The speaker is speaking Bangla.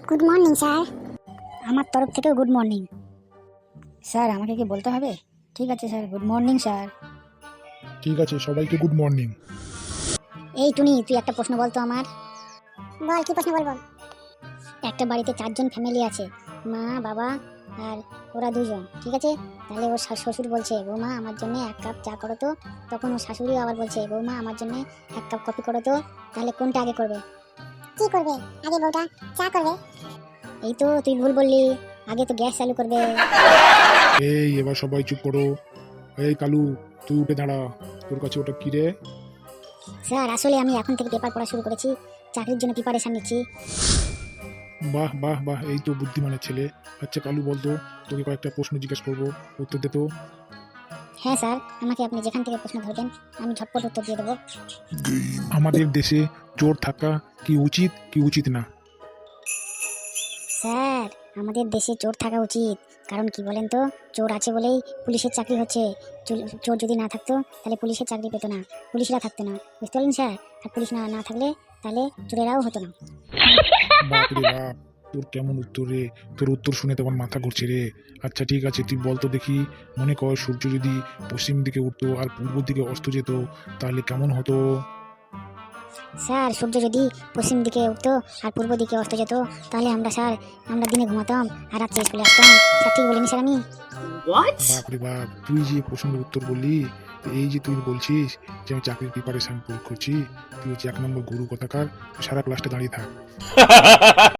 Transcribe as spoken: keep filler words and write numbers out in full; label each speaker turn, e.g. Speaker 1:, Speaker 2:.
Speaker 1: Good morning sir.
Speaker 2: আমার তরফ থেকেও গুড মর্নিং। স্যার আমাকে কি বলতে হবে? ঠিক আছে স্যার, গুড মর্নিং স্যার।
Speaker 3: ঠিক আছে, সবাইকে গুড মর্নিং।
Speaker 2: এই টুনি, তুই একটা প্রশ্ন বলতো আমার।
Speaker 1: বল, কি প্রশ্ন বলবো?
Speaker 2: একটা বাড়িতে চারজন ফ্যামিলি আছে, মা বাবা আর ওরা দুজন, ঠিক আছে? তাহলে ওর শা- শ্বশুর বলছে বৌমা আমার জন্য এক কাপ চা করো তো। তখন ওর শাশুড়ি আবার বলছে বৌমা আমার জন্য এক কাপ কফি করো তো। তাহলে কোনটা আগে করবে?
Speaker 1: কি করবে? আগে বউটা চা করবে।
Speaker 2: এই তো তুই ভুল বললি, আগে তো গ্যাস চালু করবে।
Speaker 3: এই এবার সবাই চুপ করো। এই কালু, তুই উঠে দাঁড়া। তোর কাছে ওটা কি রে?
Speaker 2: স্যার আসলে আমি এখন থেকে পেপার পড়া শুরু করেছি, চাকরির জন্য প্রিপারেশন নিচ্ছি।
Speaker 3: বাহ বাহ বাহ, এই তো বুদ্ধিমানের ছেলে। আচ্ছা কালু, বলতো তোকে কয়েকটা প্রশ্ন জিজ্ঞেস করবো, উত্তর দে তো।
Speaker 2: হ্যাঁ স্যার, আমাকে আপনি যেখান থেকে প্রশ্ন ধরবেন আমি ঝটপট উত্তর দিয়ে দেবো।
Speaker 3: আমাদের দেশে চোর থাকা কি উচিত কি উচিত না?
Speaker 2: স্যার আমাদের দেশে চোর থাকা উচিত, কারণ কি বলেন তো, চোর আছে বলেই পুলিশের চাকরি হচ্ছে। চুল- চোর যদি না থাকতো তাহলে পুলিশের চাকরি পেতো না, পুলিশরা থাকতো না, বুঝতে পারলেন স্যার? আর পুলিশ না না থাকলে তাহলে চোরেরাও হতো না।
Speaker 3: বাপ রে বাপ, তোর কেমন উত্তর রে! তোর উত্তর শুনে তোমার মাথা ঘুরছে রে। আচ্ছা ঠিক আছে, তুই বলতো দেখি, মনে কর সূর্য যদি পশ্চিম দিকে উঠতো আর পূর্ব দিকে অস্ত যেত, তাহলে কেমন হতো?
Speaker 2: স্যার সূর্য যদি পশ্চিম দিকে উঠতো আর পূর্ব দিকে অস্ত যেত, তাহলে আমরা স্যার আমরা দিনে ঘুমাতাম আর রাত্রে স্কুলে আসতাম। স্যার ঠিক বলিনি স্যার আমি?
Speaker 3: বাপ রে বাপ, তুই যে প্রশ্নের উত্তর বললি, তো এই যে তুই বলছিস যে আমি চাকরির প্রিপারেশন করছি, তুই হচ্ছে এক নম্বর গুরু কথাকার। তুই সারা ক্লাসটা দাঁড়িয়ে থাক।